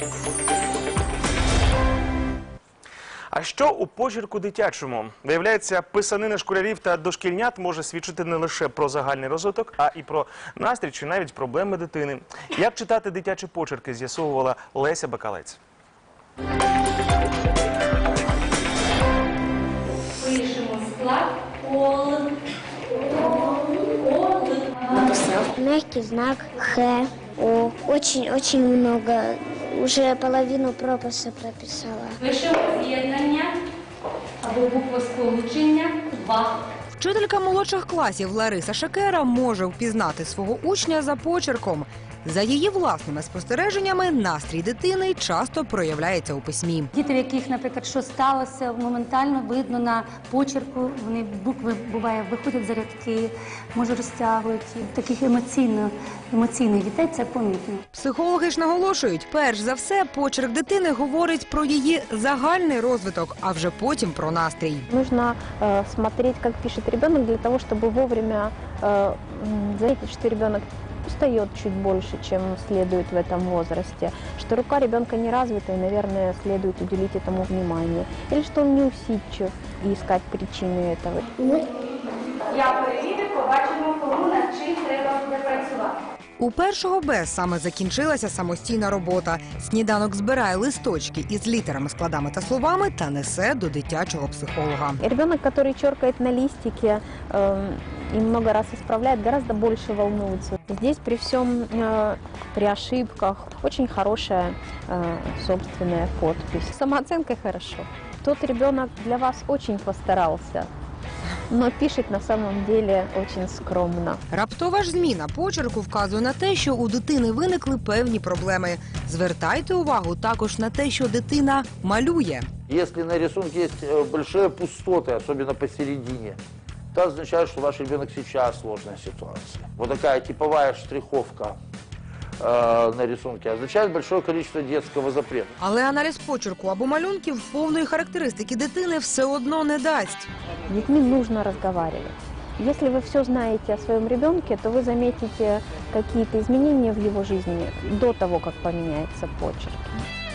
А що у почерку дитячому? Виявляється, писанина школярів та дошкільнят може свідчити не лише про загальний розвиток, а і про настрій чи навіть проблеми дитини. Як читати дитячі почерки, з'ясовувала Леся Бакалець. Пишемо склад ОЛ. Написал. Мягкий знак Х, О. Очень много. Уже половину прописи прописала. Пишемо з'єднання або буквосполучення 2. Вчителька молодших класів Лариса Шекера може впізнати свого учня за почерком. За її власними спостереженнями, настрій дитини часто проявляється у письмі. Діти, в яких, наприклад, що сталося, моментально видно на почерку, вони букви, буває, виходять за рядки, може розтягують. Таких емоційних дітей це помітно. Психологи ж наголошують, перш за все, почерк дитини говорить про її загальний розвиток, а вже потім про настрій. Нужно смотреть, как пишет ребенок, для того, чтобы вовремя заметить, что ребенок устает чуть больше, чем следует в этом возрасте, что рука ребенка не развита, и, наверное, следует уделить этому внимание, или что он неусидчив и искать причины этого. Я перевірю, побачимо, кому над чим треба буде працювати. У 1 Б саме закінчилася самостійна робота. Сніданок збирає листочки із літерами, складами та словами та несе до дитячого психолога. Ребенок, который черкает на листике и много раз исправляет, гораздо больше волнуется. Здесь при всем, при ошибках, очень хорошая собственная подпись. Самооценка хорошо. Тот ребенок для вас очень постарался, но пишет на самом деле очень скромно. Раптова ж зміна почерку вказує на те, що у дитини виникли певні проблеми. Звертайте увагу також на те, що дитина малює. Если на рисунке есть большие пустоты, особенно посередине, это означает, что ваш ребенок сейчас в сложной ситуации. Вот такая типовая штриховка на рисунке означает большое количество детского запрета. Але аналіз почерку або малюнків повної характеристики дитини все одно не дасть. С детьми нужно разговаривать. Если вы все знаете о своем ребенке, то вы заметите какие-то изменения в его жизни до того, как поменяется почерк.